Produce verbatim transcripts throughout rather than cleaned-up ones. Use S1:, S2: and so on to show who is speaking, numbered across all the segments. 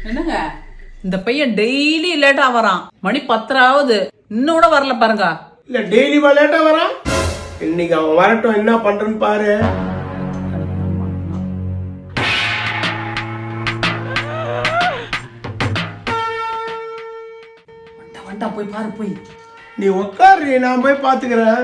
S1: என்னங்க இந்த பையன் டெய்லி லேட்டா வரான். மணி பத்தராவது இன்னும் கூட வரல பாருங்க.
S2: இல்ல டெய்லி லேட்டா வரான். இன்னைக்கு அவன் வரட்டும், என்ன பண்றேன்னு பாரு.
S1: வண்டா போய் பாரு போய்.
S2: நீ உட்காரு, நான் போய் பாத்துக்கிறேன்.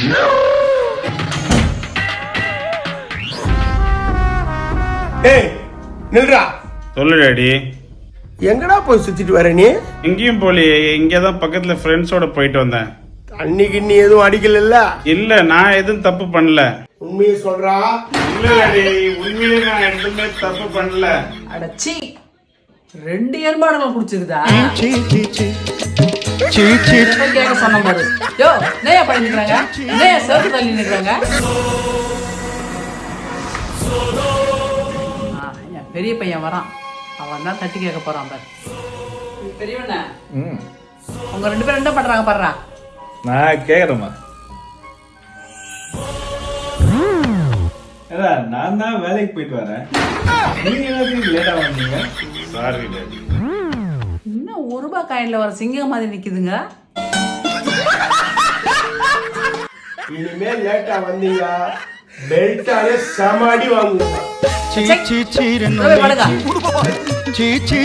S2: ஏய் நில்றா.
S3: சொல்லு டாடி.
S2: எங்கடா போய் சுத்திட்டு வர நீ?
S3: எங்கேயும் போலியே, இங்கதான் பக்கத்துல ஃப்ரெண்ட்ஸோட போயிட்டு வந்தேன்.
S2: அன்னைக்கு நீ எதுவும் அடிக்கல?
S3: இல்ல, நான் எதுவும் தப்பு பண்ணல.
S2: உண்மையை சொல்றா?
S3: இல்ல டாடி, உண்மையிலே நான் எதுவுமே தப்பு பண்ணல.
S1: அடச்சி, ரெண்டு ஏற்பாடுகள் குடிச்சிருதா? கேட்க சொன்ன மாதிரி. யோ நேயா பண்ணி நிக்கிறாங்க, நேயா சேர்த்து தள்ளி நிக்கிறாங்க. பெரிய பையன் வரான், அவன் தான் தட்டி கேட்க போறான் பாரு. பெரியவண்ண, உங்க ரெண்டு பேரும் என்ன பண்றாங்க பாடுறா?
S4: நான் கேக்குறேம்மா. நான் தான் வேலைக்கு போயிட்டு வரேன். நீங்க எல்லாத்தையும் லேட்டா வந்தீங்க.
S3: Sorry daddy.
S1: இன்னும் ஒரு ரூபாய் காயின்ல வர சிங்கம் மாதிரி நிக்குதுங்க.
S2: இனிமே லேட்டா வந்தீங்க பெல்ட்டாலே சமாடி வாங்குங்க.
S1: சீ சீ சீ